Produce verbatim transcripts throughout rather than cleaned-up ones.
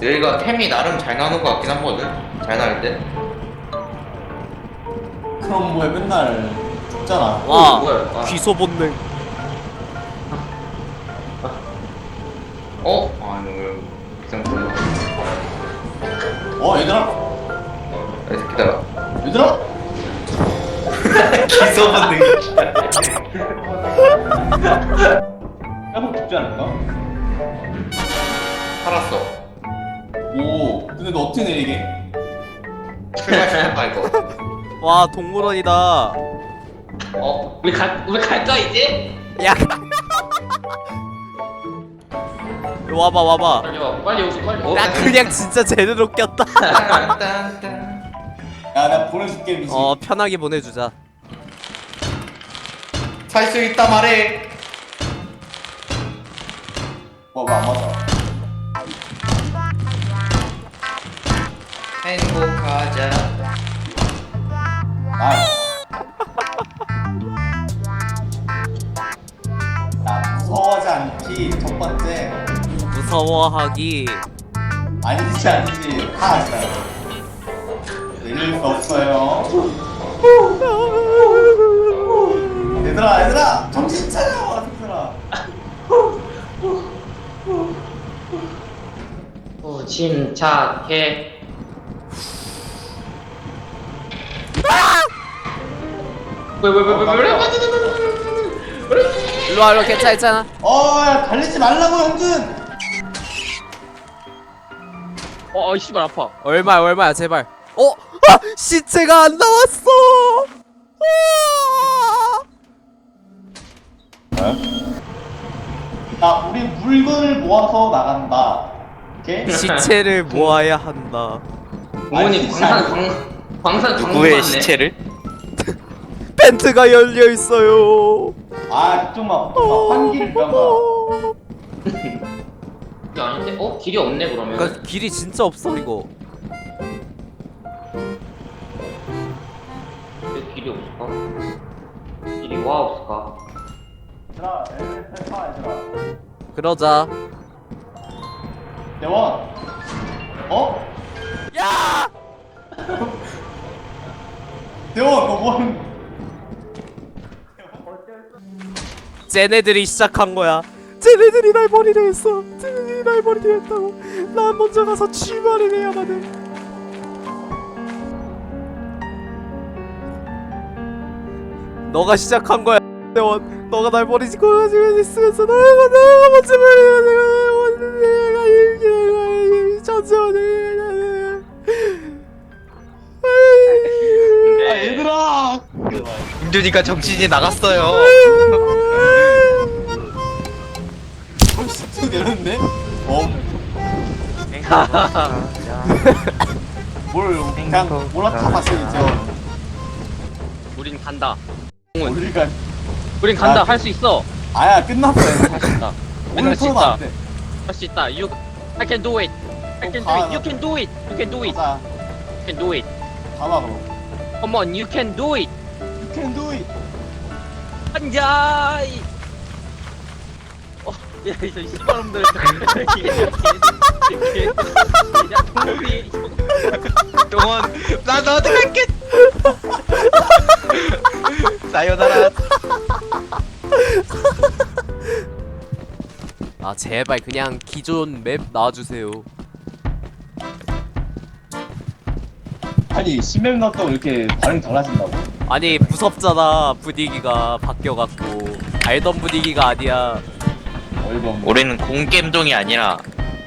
여기가 템이 나름 잘 나오는 것 같긴 하거든. 잘 나올 때. 그럼 뭐야 맨날 죽잖아. 와, 뭐야? 아. 귀소 본능. 어? 아유, 비상구나. 어 얘들아 여기서 기다려. 얘들아 기소본능. 계속 죽지 않을까? 살았어. 오 근데 너 어떻게 내리게? 출발시켰다 이거. 와, 동물원이다. 어? 우리 갈 우리 갈까 이제? 야. 와봐, 와봐. 빨리 와. 빨리 오시 빨리. 어? 나 그냥 진짜 제대로 꼈다. 딴딴딴. 야 내가 보내줄게 미지. 어, 편하게 보내주자. 살 수 있다 말해. 와왜안 맞아? 행복하자. 나이스. 야 무서워하지 않기 첫 번째. 무서워하기. 아니지 아니지 하나 진짜 내릴 수 없어요. 얘들아 얘들아 정신 차려 얘들아. 오 침착해. 왜왜왜왜왜 일로와, 일로와. 괜찮아, 괜찮아. 어야 달리지 말라고 형준. 어, 어, 씨발 아파. 얼마야, 얼마야, 제발. 어? 아! 시체가 안 나왔어! 아! 야 우리 물건을 모아서 나간다. 오케이? 시체를 모아야 한다. 부모님 광산 광 광산 누구의 시체를? 벤트가 열려 있어요. 아 그쪽만 그쪽만 환기를 위한 거야. 이게 아닌데? 어? 길이 없네 그러면. 그러니까 길이 진짜 없어 이거. 왜 길이 없을까? 길이 와 없을까? 얘들아 엘리베이터 타 얘들아. 그러자. 대원. 어? 야! 대원 너 뭐하는? 쟤네들이 시작한 거야. 쟤네들이 날 버리려 했어. 쟤네들이 날 버리려 했다고. 난 먼저 가서 출발을 해야만 해. 너가 시작한 거야, 대원. 너가 날 버리고 가지고 있으면서 너가 너가 먼저 버리고 내가 이렇게 천천히. 아 얘들아. 은준이가 정신이 나갔어요. 벌써 내렸네? 어? 뭘 그냥 올라타봤어 이제. 우린 간다. 우리가 우린 간다. 아, 할 수 있어. 아야 끝났어. 할 수 있다. 오늘 할 수 풀어도 있다. 안 돼. 할 수 있다. You, I can do it. I can do it. You can do it. You can do it. 가자. You can do it. 가봐 그럼. Come on, you can do it. You can do it. 한자이. 어, 야, 이저 씨발놈들. 야, 동물이. 동원, 나 너한테 갈게. 사요나라. 아 제발 그냥 기존 맵 나와주세요. 아니 신맵 나왔다고 이렇게 반응 달라진다고? 아니 무섭잖아. 분위기가 바뀌어갖고 알던 분위기가 아니야. 어이가 없네. 우리는 공겜종이 아니라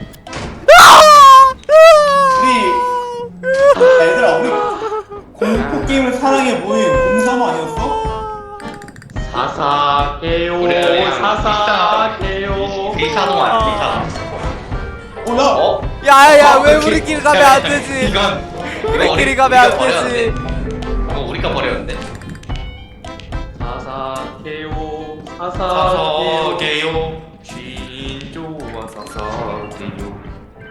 우리 야, 얘들아 우리 공포 게임을 사랑해 모임 공삼 아니었어? 사사게요. 그래, 사사게요. 비사동 아니야 비사동. 어 야! 어? 야야 아, 왜 그렇게- 우리끼리 가면 안 되지? 이건 우리끼리 우리- 가면 안 우리가 되지. 버렸는데. 이거 우리가 버렸는데. 사사게요. 사사게요. 사사게요. 신조와 사사게요.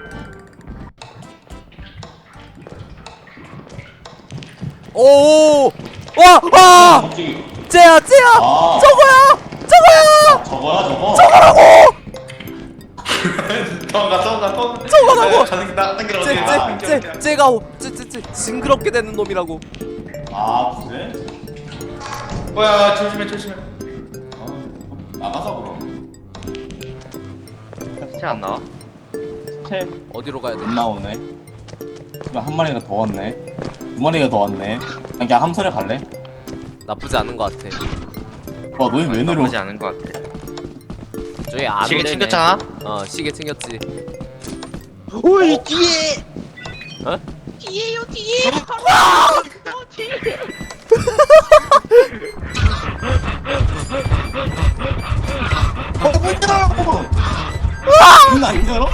오! 와! 와! 갑자기 쟤야 쟤야! 아. 저거야! 저거야! 저거야 저거? 저거라고! 도망가 도망가 도망가. 도망가라고! 가는 나 당기러 어디 가? 쟤쟤쟤 쟤가 쟤쟤쟤 징그럽게 되는 놈이라고. 아 그래? 뭐야 조심해 조심해. 아, 나가서 그럼. 진짜 안 나와? 채. 어디로 가야 돼? 안 나오네. 그럼 한 마리가 더 왔네. 두 마리가 더 왔네. 그냥 함선에 갈래? 나쁘지 않은 것 같아. 와 너희 왜 내려? 나쁘지 않은 것 같아. 저기 안 시계 오네. 챙겼잖아? 어 시계 챙겼지. 오이 뒤에. 어? 뒤에요 뒤에. 바로 뒤에. 어, 문 열어! 문안 열어?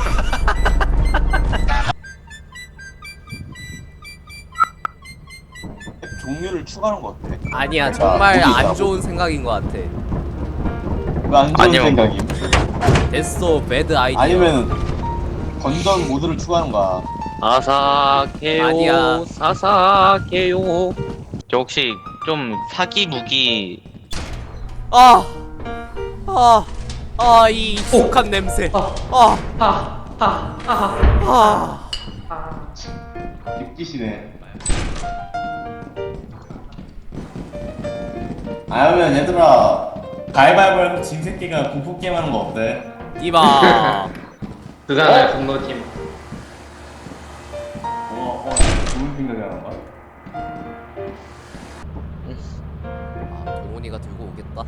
종류를 추가하는 것 같아. 아니야 그러니까 정말 거기 안 있더라고. 좋은 생각인 것 같아. 왜안 좋은 아니요. 생각임? 됐어 배드 아이디어. 아니면 건전 모드를 추가하는 거야. 사사케요. 아니야. 사사케요. 저 혹시 좀 사기 무기 아, 아, 아, 이 익숙한 냄새. 아. 아, 하하하하. 아. 입기시네. 아니면 얘들아 가위바위보 진 새끼가 공포 게임 하는 거 어때? 이봐. 그가 분노팀. 어, 어, 좋은 생각이 하는 거야? 아, 동훈이가 들고 오겠다.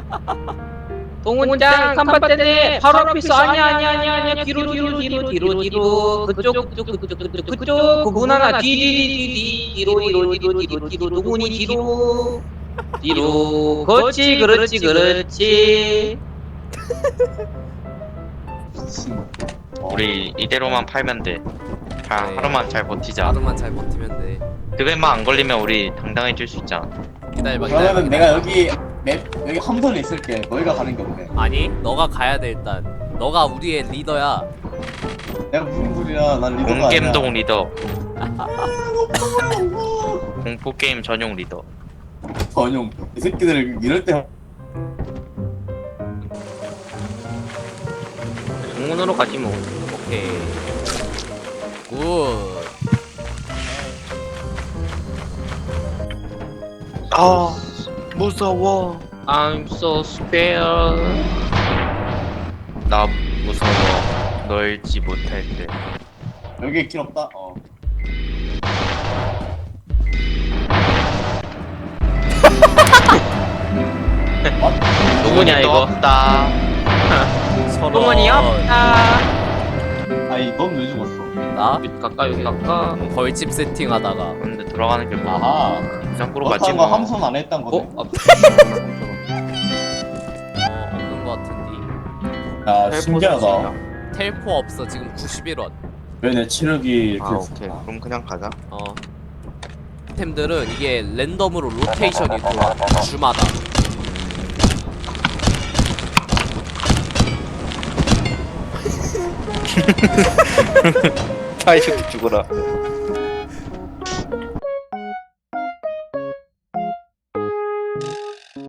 동훈장 삼바대네 바로 앞에서 아니야 아니야 아니야 아니야 뒤로 뒤로 뒤로 뒤로 뒤로 그쪽 그쪽 그쪽 그쪽 그쪽 그분 하나 뒤뒤뒤뒤 뒤로 뒤로 뒤로 뒤로 뒤로 동훈이 뒤로 뒤로 그렇지 그렇지 그렇지. 어. 우리 이대로만 팔면 돼. 자, 네. 하루만 잘 버티자. 하루만 잘 버티면 돼. 그것만 안 걸리면 우리 당당해질 수 있잖아. 기다려봐, 기다려봐. 그러면 내가 여기 맵 여기 함선에 있을게. 너희가 가는 게 없네. 아니, 너가 가야 돼 일단. 너가 우리의 리더야. 내가 무슨 소리야? 난 리더가 아니야. 공겜동 리더. 공포 게임 전용 리더. 전용. 이 새끼들 이럴 때 동훈으로 가지 뭐. 오케이. 굿. 아 무서워. I'm so scared. 나 무서워. 널지 못할 때. 여기 길 없다. 어. 누구냐 이거? 없다. 서로. 동훈이 없다. 아니 넌 왜 죽었어? 나 여기 갈까 여기 갈까? 벌집 세팅하다가. 근데 들어가는 게 뭐? 아하. 장구로 가지 그렇다는 거 뭐. 함선 안 했단 거네. 어? 아, 어, 없는 것 같은데. 야 신기하다. 텔포 없어 지금 구십일 원. 왜 내 체력이 이렇게 아 없어? 오케이. 그럼 그냥 가자. 어. 템들은 이게 랜덤으로 로테이션이 돌아. 주마다. 파이셔도 죽어라.